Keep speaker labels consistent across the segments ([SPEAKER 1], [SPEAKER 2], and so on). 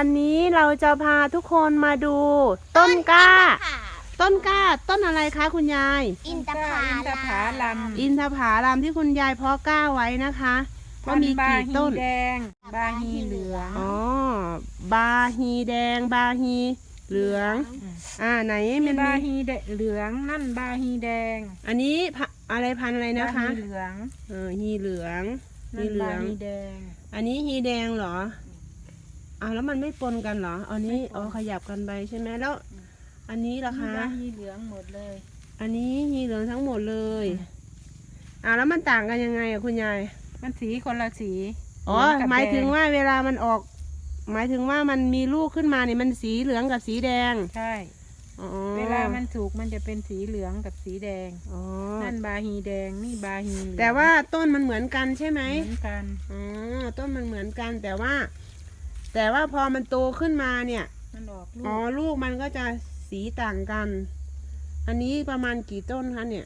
[SPEAKER 1] วันนี้เราจะพาทุกคนมาดูต้นกล้า ต้นอะไรคะคุณยาย
[SPEAKER 2] อินทผลัม
[SPEAKER 1] อินทผลัมที่คุณยายเพาะกล้าไว้นะคะว่ามีกี่ต้น
[SPEAKER 2] แดงบาฮีเหลือง
[SPEAKER 1] อ๋อบาฮีแดงบาฮีเหลืองไหนมัน
[SPEAKER 2] บาฮีเหลืองนั่นบาฮีแดง
[SPEAKER 1] อันนี้อะไรพันธุ์อะไรนะคะ
[SPEAKER 2] ฮีเหลือง
[SPEAKER 1] ฮีเหลือง
[SPEAKER 2] ฮีเหลืองฮีแดง
[SPEAKER 1] อันนี้ฮีแดงเหรอแล้วมันไม่ปนกันเหรออันนี้ขยับกันไปใช่ไหมแล้วอันนี้ล่ะคะ
[SPEAKER 2] ฮีเหลืองหมดเลย
[SPEAKER 1] อันนี้ฮีเหลืองทั้งหมดเลยแล้วมันต่างกันยังไงคุณยาย
[SPEAKER 2] มันสีคนละสี
[SPEAKER 1] หมายถึงว่าเวลามันออกหมายถึงว่ามันมีลูกขึ้นมาเนี่ยมันสีเหลืองกับสีแดง
[SPEAKER 2] ใช่เวลามันสุกมันจะเป็นสีเหลืองกับสีแดงนั่นบาฮีแดงนี่บาฮี
[SPEAKER 1] แต่ว่าต้นมันเหมือนกันใช่ไหม
[SPEAKER 2] เหมือนกัน
[SPEAKER 1] ต้นมันเหมือนกันแต่ว่าพอมันโตขึ้นมาเนี่ย
[SPEAKER 2] มันออก
[SPEAKER 1] ลูกมันก็จะสีต่างกันอันนี้ประมาณกี่ต้นคะเนี่ย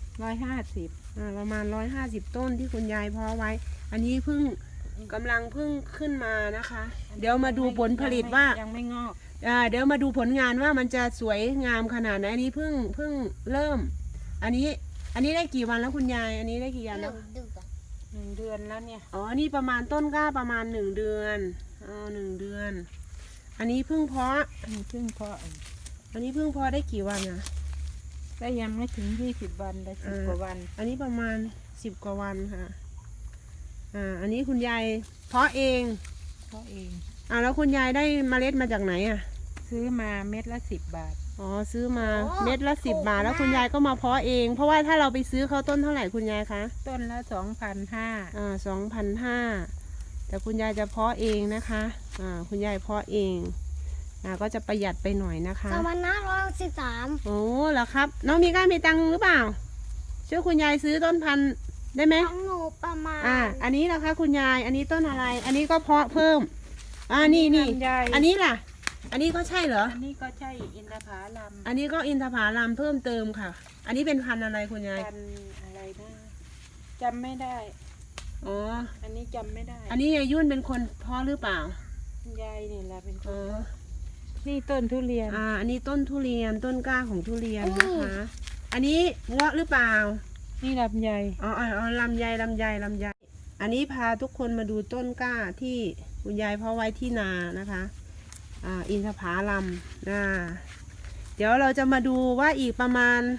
[SPEAKER 2] 150
[SPEAKER 1] ประมาณ150ต้นที่คุณยายเพาะไว้อันนี้กำลังขึ้นมานะคะเดี๋ยวมาดูผลผลิตว่า
[SPEAKER 2] ยังไม่งอก
[SPEAKER 1] เดี๋ยวมาดูผลงานว่ามันจะสวยงามขนาดไหนอันนี้เพิ่งเริ่มอันนี้ได้กี่วันแล้วคุณยายอันนี้ได้กี่วันแล้ว
[SPEAKER 2] 1 เดือนแล้วเนี่ย
[SPEAKER 1] นี่ประมาณต้นกล้าประมาณ1 เดือน1 เดือนอันนี้เพิ่งเพาะ
[SPEAKER 2] อันนี้เพิ่งเพาะ
[SPEAKER 1] ได้กี่วันนะ
[SPEAKER 2] ได้ยังไม่ถึง20 วันได้10 กว่าวัน
[SPEAKER 1] อันนี้ประมาณ10 กว่าวันค่ะอันนี้คุณยายเพาะเองแล้วคุณยายได้เมล็ดมาจากไหน
[SPEAKER 2] ซื้อมาเม็ดละ10 บาท
[SPEAKER 1] ซื้อมาเม็ดละ10 บาทแล้วคุณยายก็มาเพาะเองเพราะว่าถ้าเราไปซื้อเขาต้นเท่าไหร่คุณยายคะ
[SPEAKER 2] ต้นละ2,500
[SPEAKER 1] 2,500แต่คุณยายจะเพาะเองนะคะคุณยายเพาะเองก็จะประหยัดไปหน่อยนะคะ
[SPEAKER 2] 2,513
[SPEAKER 1] เหรอครับน้องมีตังค์หรือเปล่าช่วยคุณยายซื้อต้นพันธุ์ได้ไหม
[SPEAKER 2] ของหนูประมาณ
[SPEAKER 1] อันนี้นะคะคุณยายอันนี้ต้นอะไรอันนี้ก็เพาะเพิ่มนี่อันนี้ล่ะอันนี้ก็ใช่เหรอ
[SPEAKER 2] อันนี้ก็ใช่อินทผลัม
[SPEAKER 1] อันนี้ก็อินทผลัมเพิ่มเติมค่ะอันนี้เป็นพันธุ์อะไรคุณยาย
[SPEAKER 2] พันธุ์อะไรนะจำไม่ได้อันนี้จำไม่ได้
[SPEAKER 1] อันนี้ยายยุ่นเป็นคนเพาะหรือเปล่า
[SPEAKER 2] คุณยายนี่แหละเป็นคนนี่ต้นทุเรียน
[SPEAKER 1] อันนี้ต้นทุเรียนต้นกล้าของทุเรียนนะคะอันนี้เงาะหรือเปล่า
[SPEAKER 2] นี่ลำไย
[SPEAKER 1] ลำไยอันนี้พาทุกคนมาดูต้นกล้าที่คุณยายเพาะไว้ที่นานะคะอินทผลัมเดี๋ยวเราจะมาดูว่าอีกประมาณ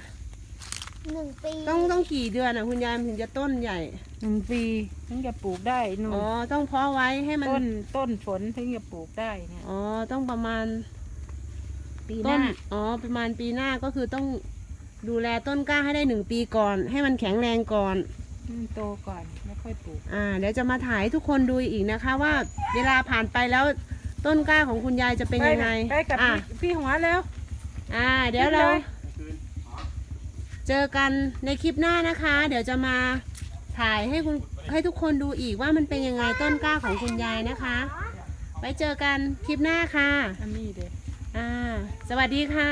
[SPEAKER 2] 1 ปี
[SPEAKER 1] ต้องกี่เดือนคุณยายถึงจะต้นใหญ่
[SPEAKER 2] 1 ปีถึงจะปลูกได้
[SPEAKER 1] ต้องเพาะไว้ให้มัน
[SPEAKER 2] ต้นฝนถึงจะปลูกได้เนี่ย
[SPEAKER 1] ต้องประมาณ
[SPEAKER 2] ปีหน้า
[SPEAKER 1] ประมาณปีหน้าก็คือต้องดูแลต้นกล้าให้ได้1 ปีก่อนให้มันแข็งแรงก่อน
[SPEAKER 2] โตก่อนไม่ค่อยปลูก
[SPEAKER 1] เดี๋ยวจะมาถ่ายทุกคนดูอีกนะคะว่าเวลาผ่านไปแล้วต้นกล้าของคุณยายจะเป็นยังไง
[SPEAKER 2] ไปกับพี่หัวแล้ว
[SPEAKER 1] เดี๋ยวเราเจอกันในคลิปหน้านะคะเดี๋ยวจะมาถ่ายให้ทุกคนดูอีกว่ามันเป็นยังไงต้นกล้าของคุณยายนะคะไว้เจอกันคลิปหน้าค่ะ
[SPEAKER 2] อันนี้เด็ก
[SPEAKER 1] สวัสดีค่ะ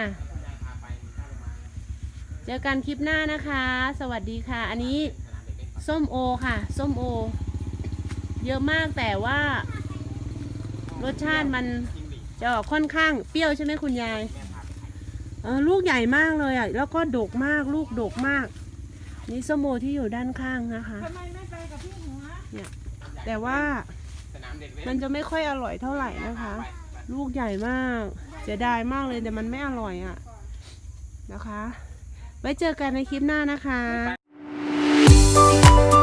[SPEAKER 1] เจอกันคลิปหน้านะคะสวัสดีค่ะอันนี้ส้มโอค่ะส้มโอเยอะมากแต่ว่ารสชาติมันจะออกค่อนข้างเปรี้ยวใช่ไหมคุณยายลูกใหญ่มากเลยแล้วก็ดกมากลูกดกมากนี่ส้มโอที่อยู่ด้านข้างนะคะ
[SPEAKER 2] ทำไมไม่ไปกับพี่หัว
[SPEAKER 1] เนี่ยแต่ว่ามันจะไม่ค่อยอร่อยเท่าไหร่นะคะลูกใหญ่มากเสียดายมากเลยแต่มันไม่อร่อยนะคะไว้เจอกันในคลิปหน้านะคะ